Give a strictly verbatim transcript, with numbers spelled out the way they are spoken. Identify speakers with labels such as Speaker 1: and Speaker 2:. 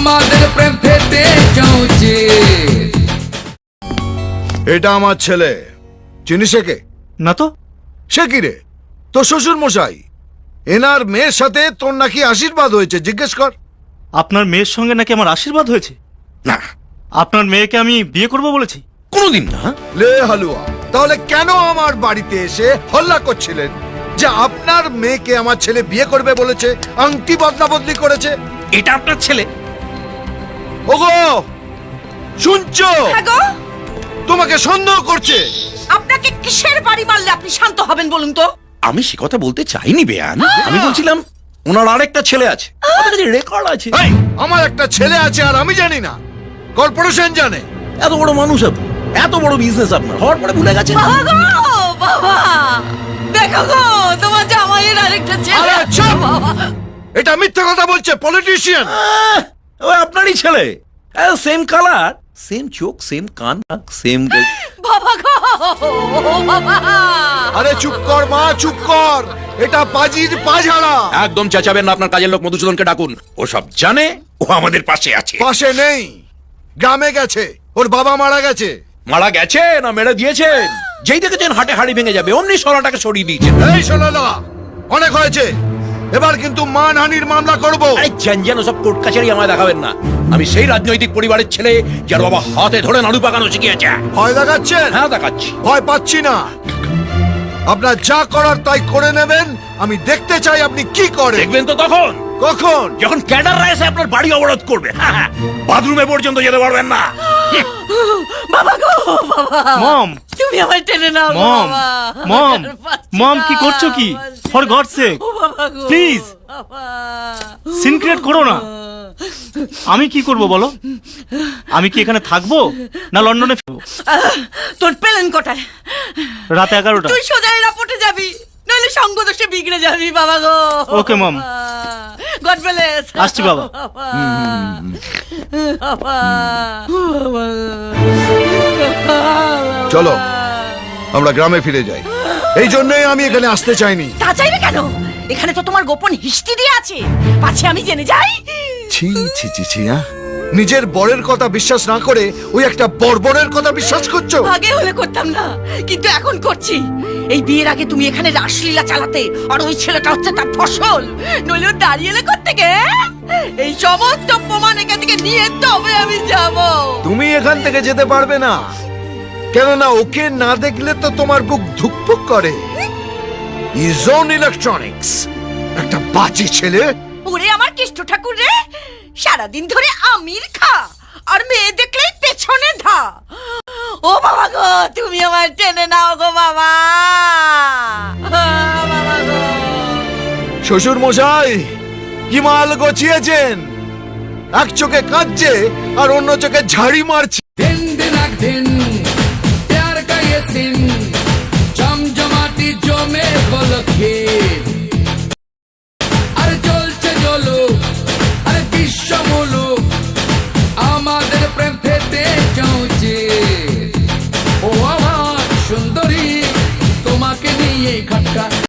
Speaker 1: আমাদের প্রেম পেতে চলছে।
Speaker 2: এটা আমার ছেলে, চিনিস একে?
Speaker 3: না তো।
Speaker 2: সে কি রে? তোর শ্বশুর মশাই। এনার মেয়ের সাথে তোর নাকি আশীর্বাদ হয়েছে, জিজ্ঞেস কর।
Speaker 3: আপনার মেয়ের সঙ্গে নাকি আমার আশীর্বাদ হয়েছে?
Speaker 4: না,
Speaker 3: আপনার মেয়েকে আমি বিয়ে করব বলেছি?
Speaker 4: কোনোদিন না।
Speaker 2: লে হালুয়া, তাহলে কেন আমার বাড়িতে এসে হল্লা করছিলেন যে আপনার মেয়েকে আমার ছেলে বিয়ে করবে বলেছে, আংটি বদলা বদলি করেছে?
Speaker 4: এটা আপনার ছেলে?
Speaker 2: ওগো শুনছো?
Speaker 5: হ্যাঁ গো,
Speaker 2: তোমাকে সন্দেহ করছে।
Speaker 5: আপনাকে কিসের বাড়ি মারলে আপনি শান্ত হবেন বলুন তো?
Speaker 4: আমি সে কথা বলতে চাইনি বেয়ান। আমি বলছিলাম ওনার আরেকটা ছেলে আছে, রেকর্ড আছে।
Speaker 2: এই, আমার একটা ছেলে আছে আর আমি জানি না? কর্পোরেশন জানে।
Speaker 4: এত বড় মানুষ আপনি, এত বড় বিজনেস আপনার, হওয়ার পরে ভুলে গেছেন।
Speaker 5: বাবা গো, বাবা দেখো গো, তোমার জামাইয়ের আরেকটা ছেলে
Speaker 2: আরে
Speaker 5: আছে,
Speaker 2: চুপ!
Speaker 5: বাবা।
Speaker 2: এটা মিথ্যে কথা বলছে, পলিটিশিয়ান।
Speaker 4: আহ, ওই আপনারই ছেলে, সেম কালার, সেম চোখ, সেম কান, সেম।
Speaker 5: বাবা গো, বাবা।
Speaker 2: আরে চুপ কর মা, চুপ কর। এটা পাজির পাঝাড়া।
Speaker 4: একদম চেঁচাবেন না, আপনার কাজের লোক মধুসূদনকে ডাকুন। ও সব জানে, ও আমাদের পাশে আছে।
Speaker 2: পাশে নেই, গ্রামে গেছে। ওর বাবা মারা গেছে।
Speaker 4: মারা গেছে না মেরে দিয়েছেন? যেই দেখেছেন হাটে হাড়ি ভেঙে যাবে, অমনি সরাটাকে সরিয়ে দিয়েছেন।
Speaker 2: এই শোনালা, অনেক হয়েছে। এবার কিন্তু মানহানির মামলা করব।
Speaker 4: আরে জানজান সব কোর্ট কাছারি আমায় দেখাবেন না। আমি সেই রাজনৈতিক পরিবারের ছেলে যার বাবা হাতে ধরে নাড়ু পাকানো শিখিয়েছে।
Speaker 2: ভয় দেখাচ্ছেন?
Speaker 4: হ্যাঁ দেখাচ্ছি।
Speaker 2: ভয় পাচ্ছি না। আপনার যা করার তাই করে নেবেন। আমি দেখতে চাই আপনি কি করেন।
Speaker 4: দেখবেন তো তখন,
Speaker 2: কখন?
Speaker 4: যখন ক্যাডাররা এসে আপনার বাড়ি অবরোধ করবে। বাথরুমে পর্যন্ত যেতে পারবেন না।
Speaker 5: বাবা গো, বাবা।
Speaker 3: মম,
Speaker 5: তুমি আমায় টেনে নাও গো,
Speaker 3: মম,
Speaker 5: বাবা।
Speaker 3: মম,
Speaker 5: আর পারছি
Speaker 3: মম,
Speaker 5: না,
Speaker 3: কি করছো কি?
Speaker 5: পারছি
Speaker 3: ফর
Speaker 5: না।
Speaker 3: গড সেক,
Speaker 5: ও বাবা গো,
Speaker 3: প্লিজ
Speaker 5: বাবা।
Speaker 3: সিন ক্রিয়েট করো না। আমি কি করব বলো? আমি কি এখানে থাকবো না লন্ডনে ফিরবো?
Speaker 5: আহ, তোর প্লেন কোটায়?
Speaker 3: রাত এগারোটা।
Speaker 5: তুই সোজা এয়ারপোর্টে যাবি, নইলে সঙ্গ দোষে বিগড়ে যাবি বাবা গো।
Speaker 3: ওকে মম।
Speaker 5: God bless.
Speaker 3: আসছি বাবা।
Speaker 5: বাবা।
Speaker 2: চলো আমরা গ্রামে ফিরে যাই। এই জন্যই আমি এখানে আসতে চাইনি।
Speaker 5: তা চাইবে কেন? এখানে তো তোমার গোপন হিস্ট্রি দিয়ে আছে, পাছে আমি জেনে যাই।
Speaker 2: ছি ছি ছি ছি। হ্যাঁ? নিজের বরের কথা বিশ্বাস না করে ওই একটা বর্বরের কথা বিশ্বাস করছো?
Speaker 5: আগে হলে করতাম না, কিন্তু এখন করছি। এই বিয়ের আগে তুমি এখানে রাসলীলা চালাতে, আর ওই ছেলেটা হচ্ছে তার ফসল। নইলে ও দাঁড়িয়ে এলে করতে। এই সমস্ত প্রমাণ এখান থেকে নিয়ে তবে আমি যাব।
Speaker 2: তুমি এখান থেকে যেতে পারবে না, কেননা ওকে না দেখলে তো তোমার বুক ধুকপুক করে। ইজন ইলেকট্রনিক্স একটা বাজে ছেলে।
Speaker 5: ওরে আমার কৃষ্ণ ঠাকুর রে, সারাদিন ধরে আমির খা আর মেয়ে দেখলেই পেছনে ধা। ও বাবা গো, তুমি আমার টেনে নাও গো বাবা। বাবা গো।
Speaker 2: শ্বশুর মশাই কি মাল গছিয়েছেন? এক চোখে কাঁদছে আর অন্য চোখে ঝাড়ি মারছে।
Speaker 1: দিন দিনাক দিন